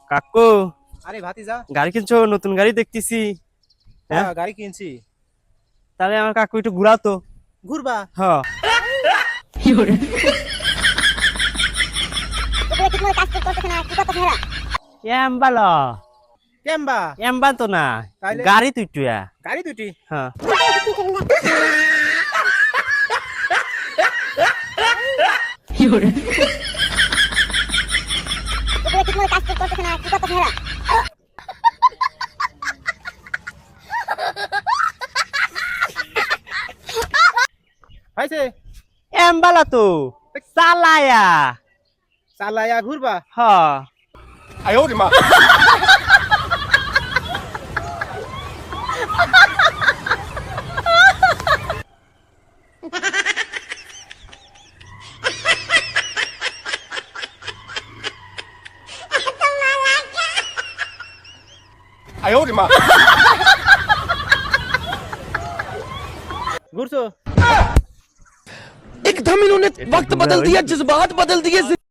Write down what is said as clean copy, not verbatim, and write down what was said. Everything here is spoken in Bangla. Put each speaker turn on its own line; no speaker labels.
কাকু
আরে ভাতিজা,
গাড়ি কিনছো? নতুন গাড়ি দেখতেছি।
হ্যাঁ গাড়ি কিনছি।
তাহলে আমার কাকু একটু ঘুরাতো।
ঘুরবা?
হ্যাঁ। এমবালা
কেমবা?
এমবা তো না,
তাইলে?
গাড়ি তুই টুয়া।
গাড়ি দুটি?
হ্যাঁ।
হয়েছে?
এমবালা তো চালায়া।
চালায়া ঘুরবা?
হ্যাঁ।
ঘুরছো?
एकदम इन्होंने वक्त बदल दिया, जज्बात बदल दिए।